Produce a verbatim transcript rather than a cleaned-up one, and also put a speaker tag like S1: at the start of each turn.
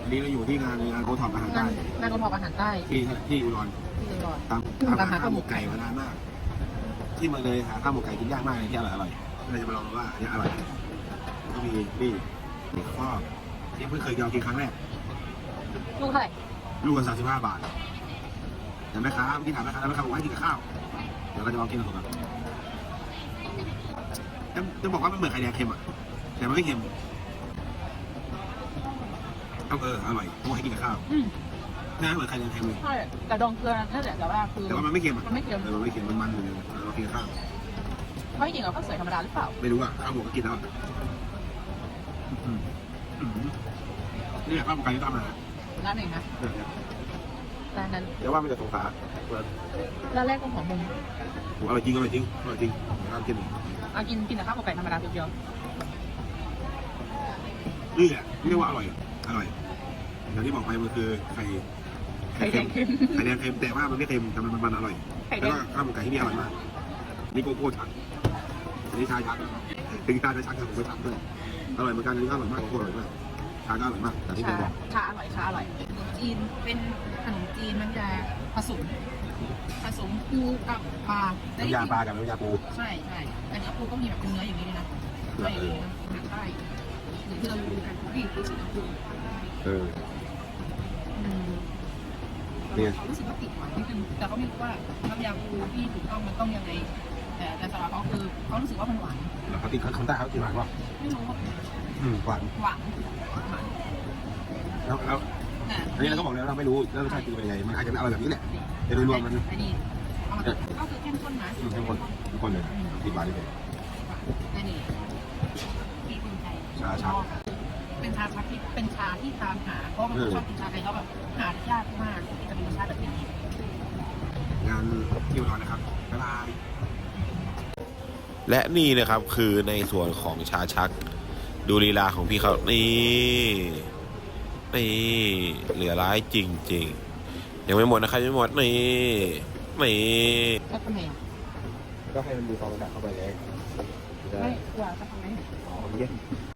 S1: วันนี้เราอยู่ที่งานงานโอท็อปอาหารใต้
S2: งานโอท็อปอาหารใต้
S1: ที่ที่อุดร
S2: ที่อุดร
S1: ตามตามหาข้าวหมกไก่มานานมากที่เมืองเลยหาข้าวหมกไก่กินยากมากเลยที่อร่อยอร่อยเราจะมาลองดูว่าอันนี้อร่อยก็มีนี่นี่ข้อที่เพิ่งเคยลองกินครั้งแรก
S2: ลูกเท่าไหร่
S1: ลูกละสามสิบห้าบาทแต่แม่ค้าเมื่อกี้ถามแม่ค้าแล้วแม่ค้าบอกว่าให้กินกับข้าวเดี๋ยวเราจะลองกินกับผมกันจะจะบอกว่ามันเหมือนไข่แดงเค็มอ่ะแต่มันไม่เค็มเอาเอออร่อยเพราะให้กินกับข้าวน่าเหมือนไข่แดงเค็มเลย
S2: ใช่แต่ดองเกลือนั่นแหละแต่ว่าคือ
S1: แต่ว่ามันไม่เค็มอ่ะ
S2: มันไม่เค็ม
S1: เออมันไม่เค็มมันมันเลยเรากินกับข้าว
S2: ไม่กินกับข้าวสวยธรรมดาหรือเปล่า
S1: ไม่รู้อ่ะข้าวหมกก็กินแล้วนี่ข้าวหมกไก่ที่ทำมา
S2: ร้านไหนนะร้านนั้น
S1: เดี๋ยวว่ามันจะสงสาร
S2: ร้านแรกของมุม
S1: อร่อยจริงอร่อยจริงอร่อยจริงร้านกิน
S2: เอากินกินแต่ข้าวหมกไก่ธรรมดาเดียว
S1: นี่แหละเรียกว่าอร่อยอร่อยอย่างที่บอกไปมันคือไข่
S2: ไข่แดงเค็ม
S1: ไข่แดงเค็มแต่ว่ามันไม่เค็มแต่มันมันอร่อยแล้วก็ข้าวหมกไก่ที่นี่อร่อยมากนี่โกโก้ชักนี่ชาชักถึงชาจะชักแต่ผมก็ชักด้วยอร่อยเหมือนกันนี่ก็อร่อยมากโกโก้อร่อยมากชาก็อร่อยมากแต่ที่ผมบอก
S2: ชาอร่อยชาอร่อยขนมจีนเป็นขนมจีนมันจะผสมผสมปูกับปลา
S1: น้ำยาปลากับน้ำยาปู
S2: ใช่ใช่แต่เนื้อปูก็มีแบบเป็นเนื้ออย่างนี้เลยนะเนื้ออย่างนี้นะอาหารใต้หรือที่เราดูกันที่ที่สิงคโปร์
S1: เออ
S2: เนี่ยเขารู้สึกว่าติดหวานนิดนึงแต่เขาไม่รู้ว่าน้ำยาปูที่ถูกต้องมันต้องยังไงแต่แต่สำหรับเขาคือเขารู้สึกว่ามันหวาน
S1: แล้วเขาติดเขาใต้เขาติดหวานป่ะ
S2: ไม่รู้
S1: อืมหวาน
S2: หวาน
S1: แล้วแล้วอันนี้เราก็บอกแล้วเราไม่รู้แล้วรสชาติเป็นยังไงมันอาจจะไม่อร่อยแบบนี้แหละแต่โดยรวมมัน
S2: อันนี้ก็คือเข้มข้นนะ
S1: เข้มข้นเข้มข้นเลยติดหวานเลย
S2: อันนี้ที่เป็นไทย
S1: ชาชัก
S2: เป็นชาชักที่เป็นชาที่ตามหาเพราะมันชอบกินชาไทยเขาแบบหายากมากจะมีรสชาติแบบนี้
S1: งานที่อุดรนะครับบ๊ายบาย
S3: และนี่นะครับคือในส่วนของชาชักดูลีลาของพี่เขานี่นี่เหลือร้ายจริงๆยังไม่หมดนะครับยังไม่หมดนี่นี่
S2: ก็ทำไม
S1: ก็ให้มันดูฟองอากาศเข้าไปเลย
S2: ไม่ว่าจะทำไม
S1: อ๋อเย็น